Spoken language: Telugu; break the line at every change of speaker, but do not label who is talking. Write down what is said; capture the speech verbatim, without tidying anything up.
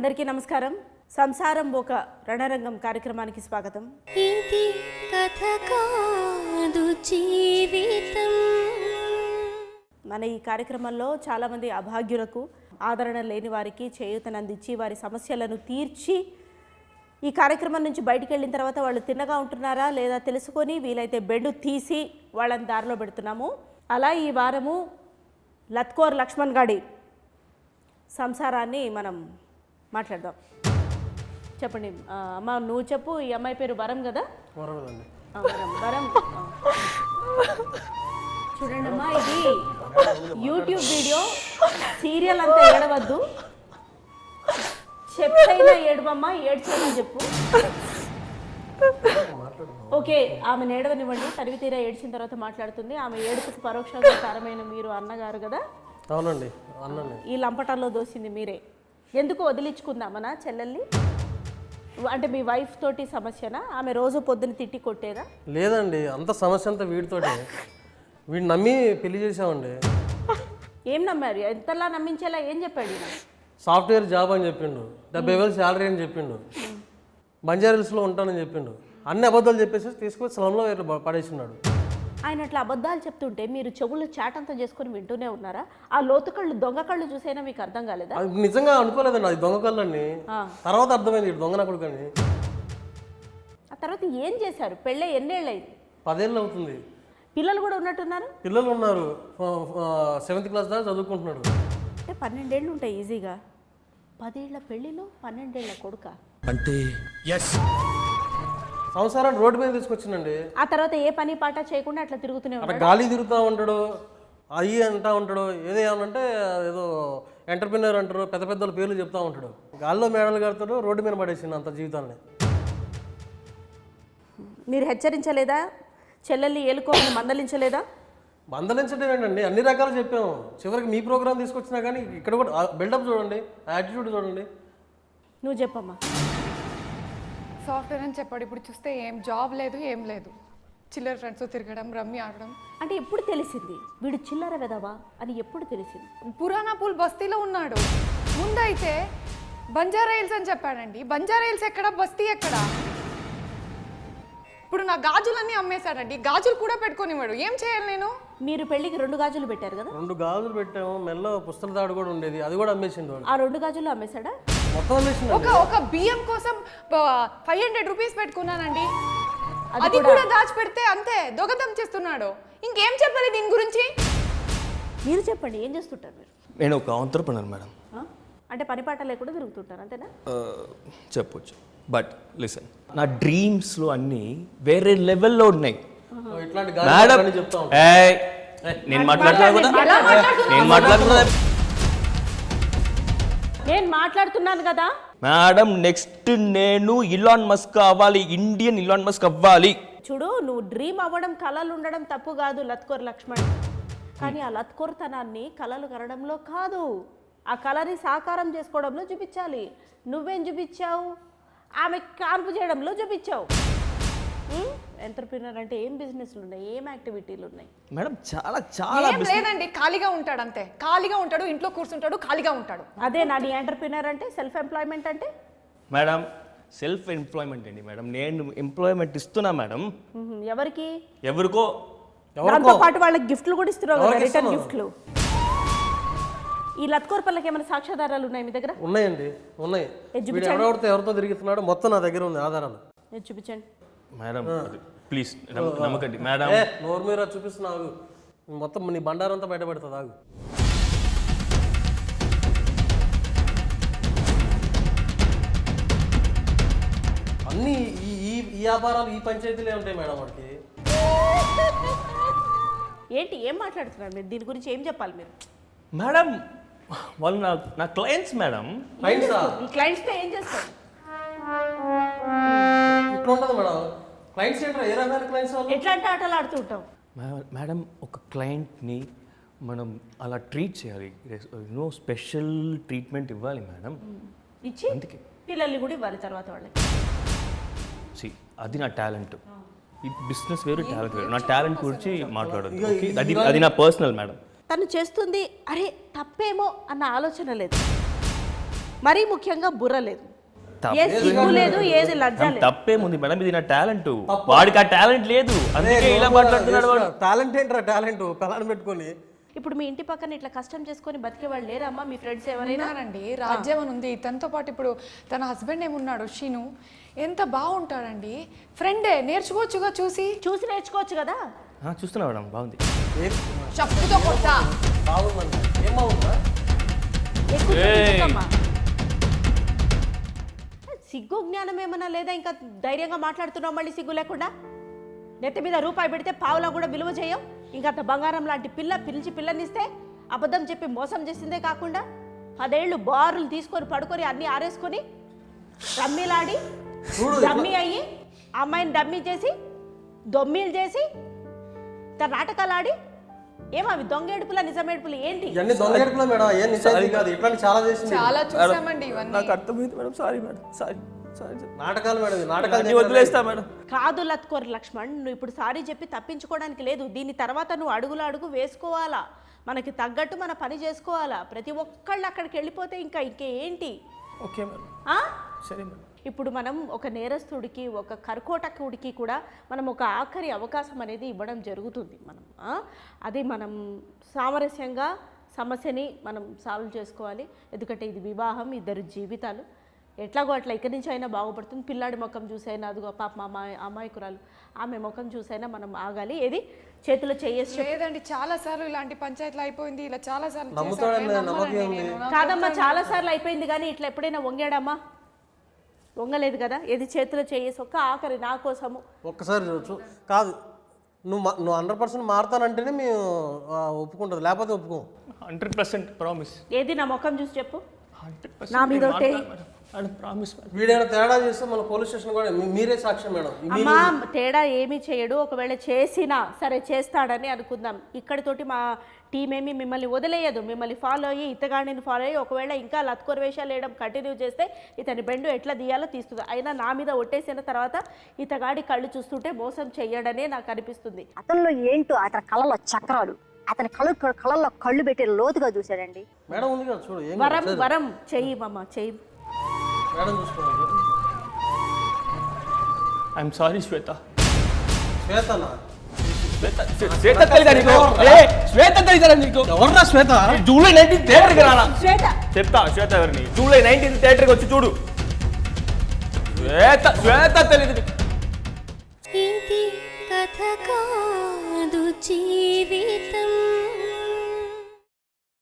అందరికీ నమస్కారం. సంసారం ఒక రణరంగం కార్యక్రమానికి స్వాగతం.
ఇది కథ కాదు జీవితం.
మన ఈ కార్యక్రమంలో చాలామంది అభాగ్యులకు, ఆదరణ లేని వారికి చేయూతనందించి వారి సమస్యలను తీర్చి ఈ కార్యక్రమం నుంచి బయటికి వెళ్ళిన తర్వాత వాళ్ళు తిన్నగా ఉంటున్నారా లేదా తెలుసుకొని వీలైతే బెండు తీసి వాళ్ళని దారిలో పెడుతున్నాము. అలా ఈ వారము లత్కోర్ లక్ష్మణ్ గాడి సంసారాన్ని మనం మాట్లాడదాం. చెప్పండి అమ్మ, నువ్వు చెప్పు. ఈ అమ్మాయి పేరు వరం కదా? వరం వరం చూడండి అమ్మా, ఇది యూట్యూబ్ వీడియో, సీరియల్ అంతా ఏడవద్దు. చెప్పైనా ఏడవమ్మా, ఏడ్చేయమని చెప్పు. ఓకే, ఆమె ఏడవనివ్వండి. తరివి తీరా ఏడ్చిన తర్వాత మాట్లాడుతుంది. ఆమె ఏడుపుకు పరోక్షంగా కారమైన మీరు అన్నగారు కదా?
అవునండి, అన్నండి.
ఈ లంపటంలో దోసింది మీరే. ఎందుకు వదిలించుకుందామనా చెల్లెల్ని? అంటే మీ వైఫ్ తోటి సమస్యనా? ఆమె రోజు పొద్దున్న తిట్టి కొట్టేదా?
లేదండి, అంత సమస్య అంతా వీడితోటి. వీడిని నమ్మి పెళ్లి చేసామండి.
ఏం నమ్మారు? ఎంతలా నమ్మించేలా ఏం చెప్పాడు ఈయన?
సాఫ్ట్వేర్ జాబ్ అని చెప్పిండు, డెబ్బై వేలు శాలరీ అని చెప్పిండు, బంజారాహిల్స్లో ఉంటానని చెప్పిండు. అన్ని అబద్ధాలు చెప్పేసి తీసుకొచ్చి స్లంలో పడేసినాడు.
ఆయన అట్లా అబద్ధాలు చెప్తుంటే మీరు చెవులు చాటంతా చేసుకొని వింటూనే ఉన్నారా? ఆ లోతు కళ్ళు, దొంగ కళ్ళు చూసైనా మీకు అర్థం కాలేదా?
అది నిజంగా అనుకోలేదండి, అది దొంగ కళ్ళు అని. తర్వాత అర్థమైంది దొంగ నా కొడుకని.
ఆ తర్వాత ఏం చేశారు? పెళ్ళే ఎన్నేళ్ళు అయింది?
పదేళ్ళు అవుతుంది.
పిల్లలు కూడా ఉన్నట్టున్నారు?
పిల్లలు ఉన్నారు, సెవెంత్ క్లాస్ దాకా చదువుకుంటున్నాడు.
అంటే పన్నెండేళ్ళు ఉంటాయి ఈజీగా. పదేళ్ల పెళ్ళిలో పన్నెండేళ్ల కొడుక
అంటే సంవత్సరాన్ని రోడ్డు మీద తీసుకొచ్చిందండి.
ఆ తర్వాత ఏ పని పాట చేయకుండా అట్లా తిరుగుతూనే ఉంటాడు.
గాలి తిరుగుతూ ఉంటాడు, అయ్యి అంటా ఉంటాడు. ఏదో ఏమనంటే ఏదో ఎంటర్ప్రినర్ అంటారు, పెద్ద పెద్ద పేర్లు చెప్తా ఉంటాడు. గాల్లో మేడలు కడతాడు, రోడ్డు మీద పడేసింది అంత జీవితాన్ని.
మీరు హెచ్చరించలేదా? చెల్లెల్ని ఏలుకోమని మందలించలేదా?
మందలించడం ఏంటండి, అన్ని రకాలు చెప్పాము. చివరికి మీ ప్రోగ్రామ్ తీసుకొచ్చినా కానీ ఇక్కడ కూడా బిల్డప్ చూడండి, యాటిట్యూడ్ చూడండి.
నువ్వు చెప్పమ్మా.
సాఫ్ట్వేర్ అని చెప్పాడు, ఇప్పుడు చూస్తే ఏం జాబ్ లేదు, ఏం లేదు. చిల్లర ఫ్రెండ్స్ తిరగడం, రమ్మి ఆడడం.
అంటే ఎప్పుడు తెలిసింది వీడు చిల్లర వెదవా అని? ఎప్పుడు తెలిసింది?
పురాణా పూల్ బస్తీలో ఉన్నాడు. ముందైతే బంజారా హిల్స్ అని చెప్పాడండి. బంజారా హిల్స్ ఎక్కడ, బస్తీ ఎక్కడ? ఇప్పుడు నా గాజులన్నీ అమ్మేశాడండి. గాజులు కూడా పెట్టుకోనివాడు. ఏం చేయాలి నేను?
మీరు పెళ్లికి రెండు గాజులు పెట్టారు కదా?
రెండు గాజులు పెట్టాము, మెల్ల పుస్తల తాడు కూడా ఉండేది, అది కూడా అమ్మేసిండు.
ఆ రెండు గాజులు అమ్మేశాడా?
మొత్తం అమ్మేసిండు.
ఒక ఒక బియ్యం కోసం ఫైవ్ హండ్రెడ్ రూపీస్ పెట్టుకున్నానండి. అది కూడా దాచిపెడితే అంతే దొంగతనం చేస్తున్నాడు. ఇంకేం చెప్పాలి దీని గురించి?
మీరు చెప్పండి, ఏం చేస్తుంటారు మీరు?
నేను ఒక ఆంట్రప్రెనర్ మేడం.
అంటే పని పాట లేకుండా తిరుగుతుంటారు అంతేనా?
చెప్పొచ్చు, బట్ లిసన్, నా డ్రీమ్స్లో అన్నీ వేరే లెవెల్లో ఉన్నాయి మేడం. నేను మాట్లాడుతున్నా కదా, నేను మాట్లాడుతున్నా
నేను మాట్లాడుతున్నాను కదా
మేడం. నెక్స్ట్ నేను ఇలాన్ మస్క్ అవ్వాలి, ఇండియన్ ఇలాన్ మస్క్ అవ్వాలి.
చూడు, నువ్వు డ్రీమ్ అవ్వడం, కళలు ఉండడం తప్పు కాదు లత్కోర్ లక్ష్మణ్. కానీ ఆ లత్కోర్తనాన్ని కళలు కనడంలో కాదు, ఆ కళని సాకారం చేసుకోవడంలో చూపించాలి. నువ్వేం చూపించావు? ఆమె కాన్పు చేయడంలో చూపించావు. ఎంటర్ప్రినర్ అంటే ఏం బిజినెస్లు ఉన్నాయి, ఏం యాక్టివిటీలు ఉన్నాయి
మేడం? చాలా చాలా
ఏం లేదండి, ఖాళీగా ఉంటాడు అంతే. ఖాళీగా ఉంటాడు, ఇంట్లో కూర్చుంటాడు, ఖాళీగా ఉంటాడు.
అదే నా నీ ఎంటర్ప్రినర్ అంటే, సెల్ఫ్ ఎంప్లాయ్మెంట్ అంటే?
మేడం సెల్ఫ్ ఎంప్లాయ్మెంట్ అండి మేడం. నేను ఎంప్లాయ్మెంట్ ఇస్తున్నా మేడం.
ఎవరికి?
ఎవరికో.
దాంతో పాటు వాళ్ళకి గిఫ్ట్లు కూడా ఇస్తున్నావు కదా, రిటర్న్ గిఫ్ట్లు. ఈ లత్కోర్ పల్లకి ఏమైనా సాక్ష్యాధారాలు ఉన్నాయి మీ దగ్గర?
ఉన్నాయండి, ఉన్నాయి. ఎవరితో ఎవరితో తిరుగుతున్నాడు మొత్తం నా దగ్గర ఉంది ఆధారాలు.
చూపించండి
మేడం, ప్లీజ్ నమ్మకండి మేడం.
నోరు మీద చూపిస్తున్నావు, మొత్తం నీ బండారంతా బయటపడుతుంది. ఆగు. అన్నీ ఈ ఈ వ్యాపారాలు ఈ పంచాయతీలే ఉంటాయి మేడం. వాడికి
ఏంటి, ఏం మాట్లాడుతున్నారు మీరు? దీని గురించి ఏం చెప్పాలి మీరు?
మేడం వాళ్ళు నా నా క్లయింట్స్ మేడం.
క్లయింట్సా?
ఈ క్లయింట్స్తో ఏం చేస్తారు?
ఇట్లా ఉంటుంది మేడం. క్లయింట్స్ ఏంటో ఏ రకమైన క్లయింట్స్?
ఎట్లాంటి ఆటలు ఆడుతుంటాం
మేడం? ఒక క్లయింట్ని మనం అలా ట్రీట్ చేయాలి, నో స్పెషల్ ట్రీట్మెంట్ ఇవ్వాలి మేడం.
ఇచ్చి
అందుకే
పిల్లల్ని కూడా ఇవ్వాలి తర్వాత వాళ్ళకి.
సి అది నా టాలెంట్. ఈ బిజినెస్ వేరు, టాలెంట్ వేరు. నా టాలెంట్ గురించి మాట్లాడదు, అది అది నా పర్సనల్ మేడం.
తను చేస్తుంది అరే తప్పేమో అన్న ఆలోచన లేదు. మరీ ముఖ్యంగా బుర్ర లేదు,
తప్పే
ఏ సిగ్గు లేదు, ఏది లజ్జ లేదు.
తప్పేముంది మేడం, ఇది నా టాలెంట్. వాడికి ఆ టాలెంట్ లేదు, అందుకే ఇలా మాట్లాడుతున్నాడు వాడు.
టాలెంట్ ఏంట్రా టాలెంట్ పిల్లని పెట్టుకొని.
ఇప్పుడు మీ ఇంటి పక్కన ఇట్లా కష్టం చేసుకొని బతికే వాళ్ళు లేరమ్మా మీ ఫ్రెండ్స్ ఎవరైనా?
ఉన్నారండి, రాజ్యం అని ఉంది. తనతో పాటు ఇప్పుడు తన హస్బెండ్ ఏమున్నాడు షీను, ఎంత బాగుంటాడండి. ఫ్రెండే, నేర్చుకోవచ్చుగా చూసి.
చూసి నేర్చుకోవచ్చు కదా.
ఆ, చూస్తున్నా మేడం, బాగుంది.
ఏం
చెప్పుతో కొట్టా.
బాగుందండి, ఏం బాగుందా?
ఎక్కువ
ఏయ్.
ఎందుకమ్మా? సిగ్గు జ్ఞానం ఏమన్నా లేదా? ఇంకా ధైర్యంగా మాట్లాడుతున్నావు మళ్ళీ సిగ్గు లేకుండా. నెత్తి మీద రూపాయి పెడితే పావులా కూడా విలువ చేయం. ఇంకా అంత బంగారం లాంటి పిల్ల పిలిచి పిల్లనిస్తే అబద్ధం చెప్పి మోసం చేసిందే కాకుండా పదేళ్ళు బారులు తీసుకొని పడుకొని అన్నీ ఆరేసుకొని రమ్మీలాడి డమ్మీ అయ్యి అమ్మాయిని డమ్మీ చేసి దొమ్మీలు చేసి తన నాటకాలు ఆడి ఏమవి దొంగ ఏడుపులా నిజం ఏడుపులు ఏంటి?
ఇవన్నీ దొంగ ఏడుపులా మేడం, ఏం నిజాయితీ కాదు. ఇట్లాంటి చాలా చేసింది.
చాలా చూసామండి ఇవన్నీ.
నాకు అర్థమైంది madam, sorry madam, sorry sorry
నాటకాలు మేడం, ఇది నాటకాలు
అన్ని వదిలేస్తా మేడం.
కాదు లత్కోర్ లక్ష్మణ్, నువ్వు ఇప్పుడు సారీ చెప్పి తప్పించుకోవడానికి లేదు. దీని తర్వాత నువ్వు అడుగులు అడుగు వేసుకోవాలా, మనకి తగ్గట్టు మన పని చేసుకోవాలా. ప్రతి ఒక్కళ్ళు అక్కడికి వెళ్ళిపోతే ఇంకా ఇంకేంటి?
ఓకే మేడం,
ఆ?
సరే మేడం.
ఇప్పుడు మనం ఒక నేరస్తుడికి, ఒక కర్కోటకుడికి కూడా మనం ఒక ఆఖరి అవకాశం అనేది ఇవ్వడం జరుగుతుంది. మనం ఆ? అది మనం సామరస్యంగా సమస్యని మనం సాల్వ్ చేసుకోవాలి. ఎందుకంటే ఇది వివాహం, ఇద్దరు జీవితాలు. ఎట్లాగో అట్లా ఇక్కడి నుంచి అయినా బాగుపడుతుంది. పిల్లాడి ముఖం చూసైనా, అదిగో పాప మా అమ్మాయి అమ్మాయికురాలు ఆమె ముఖం చూసైనా మనం ఆగాలి. ఏది చేతిలో చేయేసి
లేదండి, చాలా సార్లు ఇలాంటి పంచాయతీలు అయిపోయింది. ఇలా చాలా సార్లు
నమ్ముతాడని నమ్మకం ఉంది.
కాదమ్మా, చాలా సార్లు అయిపోయింది, కానీ ఇట్లా ఎప్పుడైనా వంగాడమ్మా? వంగలేదు కదా. ఏది చేతిలో చేయేసి ఒక్క ఆఖరి నా కోసము
ఒక్కసారి చూడచ్చు. కాదు, నువ్వు మా- నువ్వు హండ్రెడ్ పర్సెంట్ మారుతానంటేనే మేము ఆ, ఒప్పుకుంటుంది, లేకపోతే ఒప్పుకోం.
Hundred percent promise.
ఏది నా ముఖం చూసి చెప్పు.
హండ్రెడ్
నా మీద ఒకటే.
Percent promise madam.
వీడైనా తేడా చేస్తే మన పోలీస్ స్టేషన్ కూడా మీ- మీరే సాక్ష్యం మేడం. మీ-
అమ్మా తేడా ఏమీ చేయడు. ఒకవేళ చేసినా సరే చేస్తాడని అనుకుందాం. ఇక్కడితోటి మా టీం ఏమి మిమ్మల్ని వదిలేయదు. మిమ్మల్ని ఫాలో అయ్యి ఇతగాడిని ఫాలో అయ్యి ఒకవేళ ఇంకా లత్కొర వేషాలు వేయడం కంటిన్యూ చేస్తే ఇతని బెండు ఎట్లా తీయాలో తీస్తుంది. అయినా నా మీద ఒట్టేసిన తర్వాత ఇతగాడి కళ్ళు చూస్తుంటే మోసం చెయ్యడనే నాకు అనిపిస్తుంది.
అతనిలో ఏంటో అతని కళ్ళలో చక్రాలు, అతని కళ్ళు కళ్ళల్లో కళ్ళు పెట్టి లోతుగా చూశాడండి.
మేడం ఉంది కదా చూడు, ఏం
వరం వరం చెయ్యి మమ్మ చెయ్యి.
మేడం చూసుకోండి.
ఐఎమ్ సారీ శ్వేత.
శ్వేతనా?
శ్వేత శ్వేత తెలీదా నీకు? ఏ, శ్వేత తెలీదా నీకు?
ఎవర్రా శ్వేత?
జూలై నైన్టీన్త్ థియేటర్కి రానా?
శ్వేత
చెప్తా శ్వేత ఎవరిని. జూలై నైన్టీన్త్ థియేటర్కి వచ్చి చూడు. శ్వేత శ్వేత తెలీదు నీకు.
ఇది కథ కాదు జీవితం.